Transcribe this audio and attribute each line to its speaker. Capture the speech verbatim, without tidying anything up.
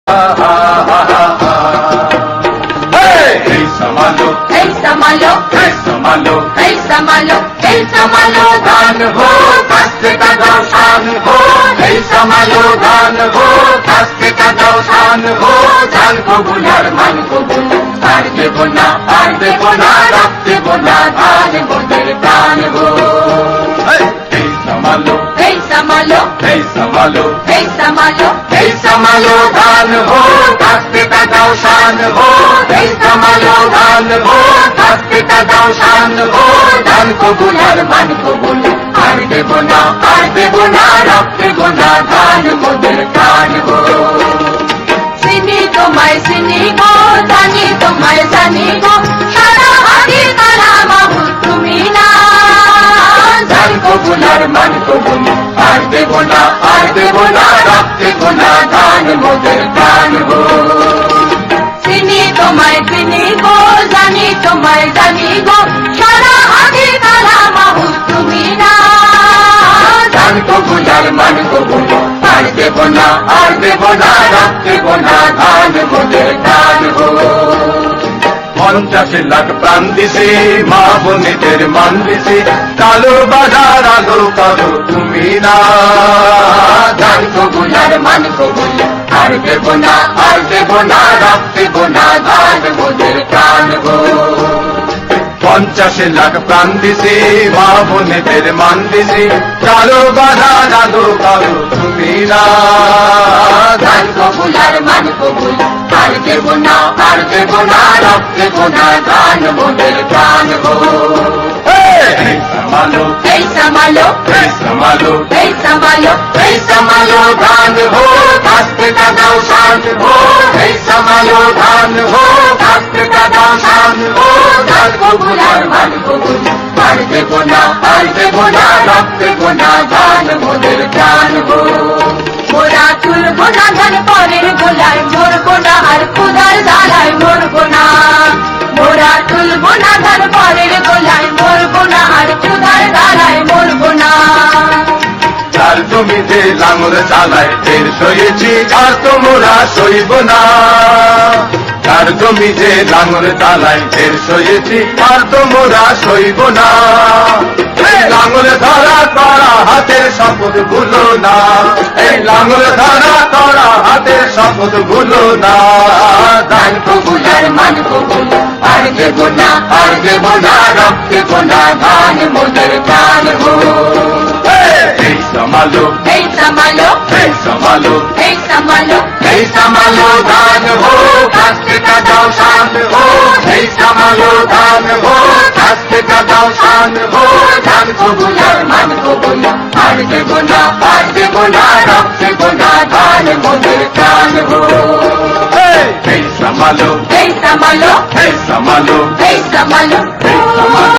Speaker 1: এই সামালো
Speaker 2: এই সামালো
Speaker 1: এই সামালো
Speaker 2: এই সামালো এই সামালো
Speaker 1: ধান হো কাস্তে কাদাও শান হো এই সামালো ধান হো কাস্তে কাদাও শান হো ধান কবুল আর মান কবুল আর দেব না আর দেব না রাখ দেব না ধান মোদের প্রাণ হো এই সামালো
Speaker 2: এই সামালো
Speaker 1: এই সামালো
Speaker 2: এই সামালো
Speaker 1: এই সামালো ধান হো কাস্তে কাদাও শান হো এই সামালো ধান হো কাস্তে কাদাও শান হো ধান কবুল আর মান কবুল আর দেব না আর দেব না রাখ দেব না ধান মোদের প্রাণ হো
Speaker 2: চিনি তোমায় চিনি গো জানি তোমায় জানি গো সারা আগে কালা বাবু তুমি না
Speaker 1: ধান কবুল আর মান কবুল আর দেব না আর দেব না রাখ দেব না ধান মোদের প্রাণ হো
Speaker 2: চিনি তোমায় চিনি গো জানি তোমায় জানি গো সারা আগে কালা বাবু তুমি না
Speaker 1: ধান কবুল আর মান কবুল আর দেব না আর দেব না রাখ দেব না ধান মোদের প্রাণ হো পঞ্চাশ লাখ প্রাণ দিছে মা বোনেদের মান দিছে কালো বাজার আলো কালো তুমি না ধান কবুল আর মান কবুল আর দেব না আর দেব না রাখ দেব না ধান মোদের প্রাণ হো পঞ্চাশ লাখ প্রাণ দিছে মা বোনেদের মান দিছে কালো বাজার আলো কালো তুমি না ধান কবুল আর মান কবুল আর দেব না আর দেব না রাখ দেব না ধান মোদের প্রাণ হো এই সামালো
Speaker 2: এই সামালো
Speaker 1: এই সামালো
Speaker 2: এই সামালো
Speaker 1: এই সামালো ধান হো কাস্তে কাদাও শান হো এই সামালো ধান হো কাস্তে কাদাও শান হো ধান কবুল আর মান কবুল আর দেব না আর দেব না রাখ দেব না ধান মোদের প্রাণ হো
Speaker 2: মোরা তুলবো না ধান পরের গোলায় মরবো না আর খুদার জ্বালায় মরবো না মোরা তুলবো না ধান পরের গোলায় মরবো না আর খুদার জ্বালায় মরবো না
Speaker 1: যার জমিতে লাঙল চালায় টের সয়েছি আর তোমরা সইব না যার জমিতে লাঙল চালায় টের সয়েছি আর তোমরা সইব না এই লাঙল ধরা করা হাতের শপথ ভুলো না এই লাঙল ধরা করা হাতের শপথ ভুলো না ধান কবুল আর মান কবুল আর দেব না আর দেব না রাখ দেব না ধান মোদের প্রাণ হো এই সামালো
Speaker 2: এই সামালো
Speaker 1: এই সামালো
Speaker 2: এই সামালো
Speaker 1: এই সামালো ধান হো কাস্তে কাদাও শান হো এই সামালো ধান হো কাস্তে কাদাও শান হো ধান কবুল আর মান কবুল আর দেব না আর দেব না রাখ দেব না ধান মোদের প্রাণ হো এই সামালো
Speaker 2: এই সামালো
Speaker 1: এই সামালো
Speaker 2: এই সামালো
Speaker 1: এই সামালো